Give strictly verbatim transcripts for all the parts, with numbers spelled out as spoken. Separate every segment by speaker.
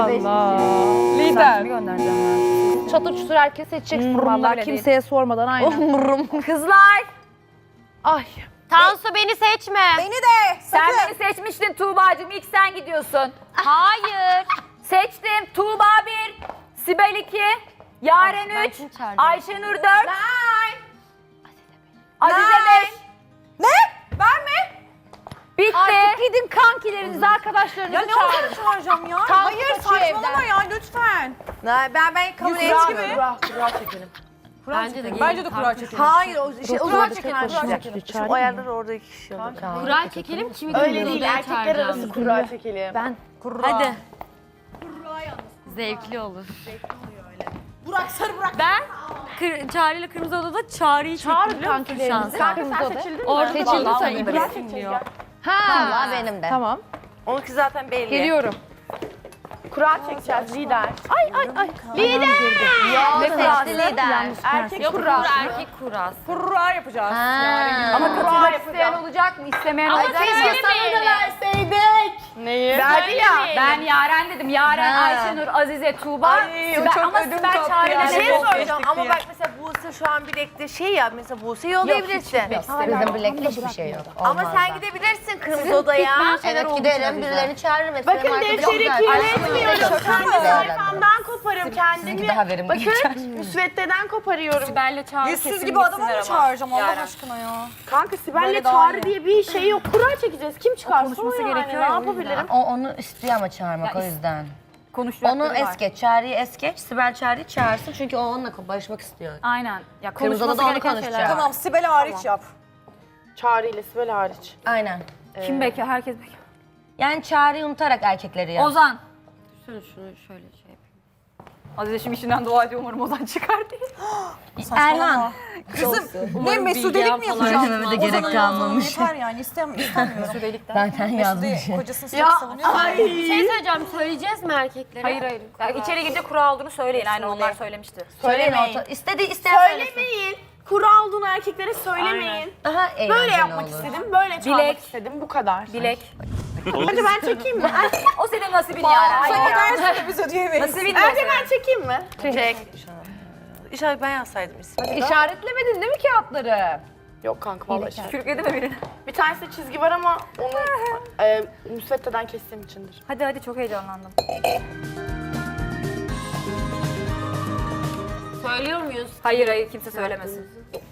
Speaker 1: Allah. Lider. Göndereceğim. Çatır çutur herkes seçeceksin valla. Kimseye sormadan aynen.
Speaker 2: Kızlar.
Speaker 1: Ay.
Speaker 3: Tansu beni seçme.
Speaker 2: Beni de.
Speaker 4: Sen beni seçmiştin Tuğba'cığım. İlk sen gidiyorsun.
Speaker 3: Hayır.
Speaker 4: Seçtim. Tuğba bir, Sibel iki, Yaren
Speaker 3: Ben
Speaker 4: üç,
Speaker 3: kim çağırdım?
Speaker 4: Ayşenur dört, Azize
Speaker 2: Nine.
Speaker 4: beş.
Speaker 2: Ne? Ben mi?
Speaker 4: Bitti.
Speaker 1: Artık gidin kankilerinizi, arkadaşlarınızı
Speaker 2: Ya ne
Speaker 1: çağırın.
Speaker 2: olacak çağıracağım ya?
Speaker 1: Tansu
Speaker 2: Hayır
Speaker 1: kaçıyor
Speaker 2: saçmalama
Speaker 1: evden.
Speaker 2: ya lütfen. Ben ben, ben kabul
Speaker 1: Kura,
Speaker 2: etmiyorum.
Speaker 1: kura, kura çekelim.
Speaker 3: Bence de
Speaker 2: Bence de kura çekelim. Hayır o şey o zaman çekin kura çekelim.
Speaker 5: Şu ayarlar orada iki kişi olur.
Speaker 3: Kura çekelim kimi
Speaker 1: Öyle
Speaker 3: kırmızı
Speaker 1: değil,
Speaker 3: odaya
Speaker 1: erkekler
Speaker 3: çağıracağım.
Speaker 1: arası kura çekelim. Ben
Speaker 3: Hadi. Zevkli olur.
Speaker 2: Burak sarı Burak.
Speaker 3: Ben kır, Çağrı ile Kırmızı Oda'da Çağrı'yı çektim
Speaker 1: çağırın
Speaker 3: biliyor musun
Speaker 1: kankilerinizi.
Speaker 3: şansa?
Speaker 1: Kırmızı odaya.
Speaker 3: Orada
Speaker 1: Seçildi
Speaker 3: Vallahi
Speaker 1: sayın.
Speaker 3: onu
Speaker 1: Burak
Speaker 3: seçiliyor.
Speaker 1: Ha.
Speaker 5: Valla benim de.
Speaker 1: Tamam.
Speaker 5: Onunki zaten belli.
Speaker 1: Geliyorum. Kura çekeceğiz lider. Ay ay ay. Lider.
Speaker 5: Ne seçti lider?
Speaker 1: Erkek
Speaker 3: Yok
Speaker 1: kura.
Speaker 3: kura erkek kurası.
Speaker 2: Kura yapacağız.
Speaker 1: Ama
Speaker 4: Kura isteyen olacak mı? İstemeyen
Speaker 3: Ama
Speaker 4: olacak mı?
Speaker 3: söylemeyelim.
Speaker 1: Neyi?
Speaker 4: Verdi ya. Ben Yaren dedim. Yaren,
Speaker 5: Ha.
Speaker 4: Ayşenur, Azize, Tuğba.
Speaker 2: Ay, o
Speaker 4: Sibel,
Speaker 2: çok
Speaker 4: ama
Speaker 2: ödüm
Speaker 4: Sibel
Speaker 2: koptu
Speaker 4: Çağrı'yla
Speaker 2: ya.
Speaker 5: Bir
Speaker 4: ne
Speaker 5: şey
Speaker 4: oldu?
Speaker 5: soracağım ama bak mesela Buse şu an bilekte şey ya mesela Buse'yi yollayabilirsin.
Speaker 1: Bizim bilekli hiçbir şey yok.
Speaker 5: Ama sen gidebilirsin kırmızı odaya. Evet giderim birilerini çağırırım. Bakın
Speaker 6: defteri kirletmiyorum. Kendi sayfamdan koparım kendimi.
Speaker 5: Daha verim.
Speaker 6: Bakın müsveddeden koparıyorum.
Speaker 3: Sibel'le Çağrı
Speaker 2: Yüzsüz
Speaker 3: kesin
Speaker 2: gibi adamı mı
Speaker 3: gitsinler ama.
Speaker 2: çağıracağım Allah
Speaker 3: Yaren.
Speaker 2: aşkına ya.
Speaker 6: Kanka Sibel'le
Speaker 2: Böyle daha
Speaker 6: çağrı
Speaker 2: iyi.
Speaker 6: diye bir şey yok. Kura çekeceğiz. Kim çıkarsa o
Speaker 3: konuşması
Speaker 6: yani.
Speaker 3: gerekiyor
Speaker 6: Ne
Speaker 3: ya, o
Speaker 6: yapabilirim?
Speaker 5: O onu istiyor ama çağırmak o yüzden.
Speaker 4: Konuşacakları
Speaker 5: Onu
Speaker 4: var.
Speaker 5: es geç, Çağrı'yı es geç. Sibel Çağrı'yı çağırsın çünkü o onunla barışmak istiyor.
Speaker 4: Aynen. Ya
Speaker 5: Kırmızı
Speaker 4: konuşması
Speaker 5: Oda'da onu
Speaker 4: gereken
Speaker 5: konuşacak.
Speaker 4: şeyler var.
Speaker 2: Tamam Sibel hariç yap.
Speaker 6: Çağrı ile Sibel hariç.
Speaker 5: Aynen.
Speaker 4: Kim bekar? Herkes bekar.
Speaker 5: Yani Çağrı'yı unutarak erkekleri ya.
Speaker 4: Ozan.
Speaker 3: Şunu şunu şöyle şey yapayım.
Speaker 4: Azize şimdi işinden dua ediyor umarım Ozan çıkar diye.
Speaker 5: Erhan.
Speaker 2: Kızım ne
Speaker 3: Umarım
Speaker 2: mesudelik
Speaker 3: bilgi
Speaker 2: mi
Speaker 3: falan
Speaker 2: yapacağım?
Speaker 5: Söylememe de gerek
Speaker 2: Ozan'ın
Speaker 5: kalmamış.
Speaker 2: yazdığı Yeter yani istem istemiyorum.
Speaker 5: Zaten yazmış.
Speaker 2: Mesude kocasını sürekli savunuyor.
Speaker 3: Bir şey söyleyeceğim. Söyleyeceğiz mi erkeklere?
Speaker 4: Hayır hayır. Ya içeri girince kura olduğunu söyleyin. Aynen onlar söylemişti.
Speaker 5: Söyleyin
Speaker 6: Söylemeyin.
Speaker 5: orta. İstedi isteyen söylesin.
Speaker 6: Söylemeyin. Kura olduğunu erkeklere söylemeyin.
Speaker 5: Daha eğlenceli
Speaker 6: Böyle yapmak
Speaker 5: olur.
Speaker 6: istedim, böyle çalmak
Speaker 4: Bilek.
Speaker 6: istedim. Bu kadar.
Speaker 4: Bilek.
Speaker 6: Hadi ben çekeyim mi?
Speaker 4: O senin nasibin Yaren.
Speaker 2: Sen ödersin de biz ödeyemeyiz.
Speaker 4: Nasibin de o
Speaker 6: Önce
Speaker 4: senin.
Speaker 6: ben çekeyim mi?
Speaker 5: Çek. İnşallah ben yazsaydım ismini.
Speaker 1: İşaretlemedin değil mi kağıtları?
Speaker 6: Yok kanka vallahi.
Speaker 4: Kürkledi mi birini?
Speaker 6: Bir tanesi çizgi var ama onu e, müsveddeden kestiğim içindir.
Speaker 4: Hadi hadi çok heyecanlandım.
Speaker 3: Söylüyor muyuz?
Speaker 4: Hayır hayır kimse söylemesin.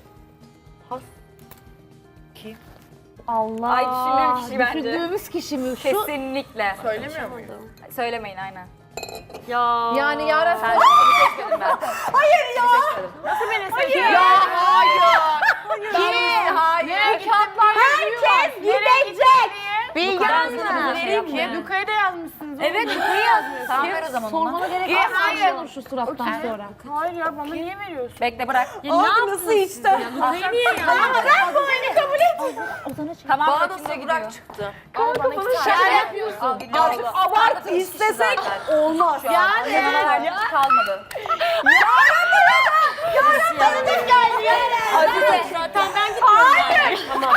Speaker 1: Allah.
Speaker 4: Ay düşündüğüm kişi bence.
Speaker 1: Düşündüğümüz kişi mi? Şu
Speaker 4: Kesinlikle.
Speaker 6: Söylemiyor muyum?
Speaker 4: Söylemeyin aynen.
Speaker 3: Ya.
Speaker 1: yani Yaren
Speaker 4: Ben seni seçmedim ben.
Speaker 2: Hayır ya.
Speaker 6: Nasıl beni seçiyor?
Speaker 1: Ya hayır. Kim? Hayır. Kağıtlar
Speaker 6: Herkes gidecek.
Speaker 1: Bilgi
Speaker 4: vereyim mi?
Speaker 6: Luka'ya da yazmışsınız.
Speaker 4: Evet Luka'yı yazmıyorsun. Tamam ver o zaman ona.
Speaker 1: Sormana gerek
Speaker 6: Ye,
Speaker 1: yok.
Speaker 6: hayır.
Speaker 1: Olur şu surattan sonra.
Speaker 6: Hayır ya bana niye veriyorsun?
Speaker 4: Bekle bırak.
Speaker 3: Ya ne
Speaker 2: Abi nasıl içti?
Speaker 3: Luka'yı niye yazdın?
Speaker 6: Ben bu oyunu kabul et.
Speaker 4: Tamam
Speaker 5: Bana da
Speaker 4: Betül'e gidiyor.
Speaker 5: Burak çıktı.
Speaker 1: Şaka yapıyorsun.
Speaker 4: Artık abart
Speaker 2: İstesek olmaz.
Speaker 4: Yani. Yani. Kalmadı.
Speaker 6: Tanıdık geldi ya.
Speaker 4: Azize.
Speaker 3: Zaten ben gidiyorum.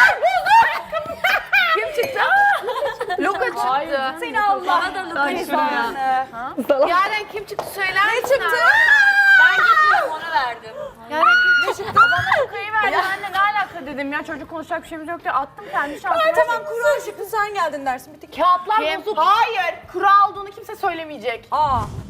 Speaker 4: Kim çıktı?
Speaker 6: Luka çıktı.
Speaker 4: Seni Allah.
Speaker 3: Bana da Luka'yı söyle.
Speaker 6: Yaren kim çıktı söyler misin?
Speaker 2: Ne çıktı?
Speaker 3: Ben gitmiyorum ona verdim.
Speaker 6: Ne çıktı? Bana Luka'yı verdi. Ben de ne alaka dedim ya çocuk konuşacak bir şeyimiz yok diye attım kendi şansıma.
Speaker 2: Ay tamam kuru çıktı sen geldin dersin. Bitti.
Speaker 1: Kağıtlar
Speaker 6: Kim?
Speaker 1: bozuk.
Speaker 6: Hayır. Kura olduğunu kimse söylemeyecek.
Speaker 2: Aa.